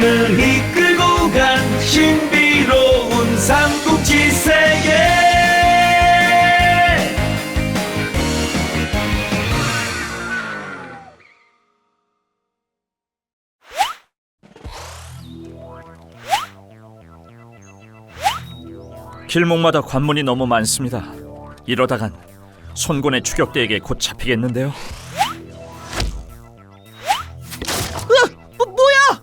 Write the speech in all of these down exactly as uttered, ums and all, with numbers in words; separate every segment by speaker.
Speaker 1: 우리를 이끌고 간 신비로운 삼국지 세계.
Speaker 2: 길목마다 관문이 너무 많습니다. 이러다간 손곤의 추격대에게 곧 잡히겠는데요.
Speaker 3: 으! 뭐, 뭐야!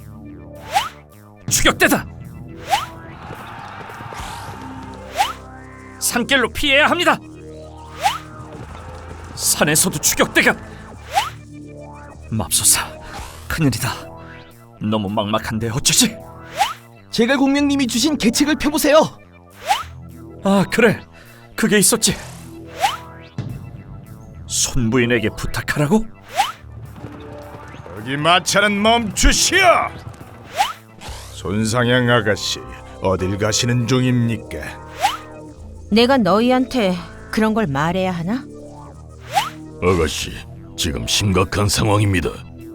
Speaker 2: 추격대다! 산길로 피해야 합니다. 산에서도 추격대가. 맙소사, 큰일이다. 너무 막막한데 어쩌지?
Speaker 3: 제갈공명님이 주신 계책을 펴보세요.
Speaker 2: 아, 그래, 그게 있었지. 손부인에게 부탁하라고?
Speaker 4: 여기 마차는 멈추시오! 손상향 아가씨, 어딜 가시는 중입니까?
Speaker 5: 내가 너희한테 그런 걸 말해야 하나?
Speaker 6: 아가씨, 지금 심각한 상황입니다.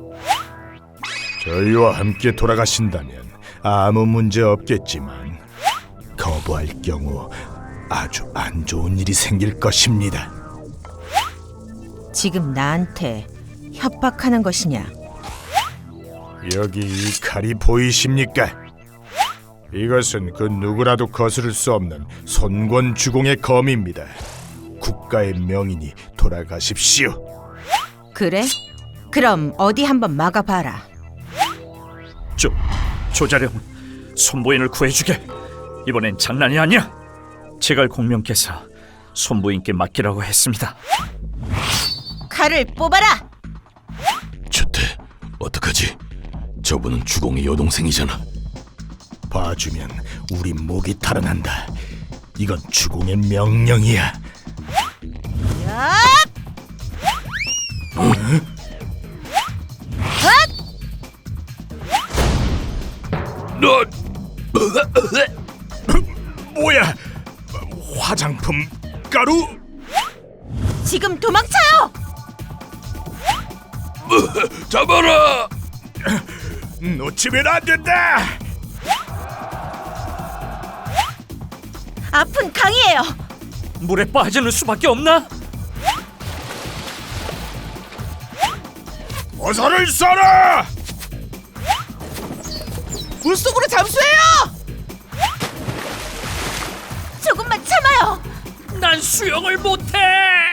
Speaker 4: 저희와 함께 돌아가신다면 아무 문제 없겠지만 거부할 경우 아주 안 좋은 일이 생길 것입니다.
Speaker 5: 지금 나한테 협박하는 것이냐?
Speaker 4: 여기 이 칼이 보이십니까? 이것은 그 누구라도 거스를 수 없는 손권 주공의 검입니다. 국가의 명인이 돌아가십시오.
Speaker 5: 그래? 그럼 어디 한번 막아봐라.
Speaker 2: 조, 조자룡, 손부인을 구해주게. 이번엔 장난이 아니야. 제갈공명께서 손부인께 맡기라고 했습니다.
Speaker 5: 칼을 뽑아라!
Speaker 6: 주태, 어떡하지? 저분은 주공의 여동생이잖아.
Speaker 4: 봐주면 우리 목이 탈환한다. 이건 주공의 명령이야.
Speaker 5: 야!
Speaker 6: 너
Speaker 4: 뭐야? 화장품 가루?
Speaker 5: 지금 도망쳐요!
Speaker 6: 잡아라!
Speaker 4: 놓치면 안 된다.
Speaker 5: 앞은 강이에요!
Speaker 2: 물에 빠지는 수밖에 없나?
Speaker 4: 어서를 쏴라!
Speaker 3: 물속으로 잠수해요!
Speaker 5: 조금만 참아요!
Speaker 2: 난 수영을 못해.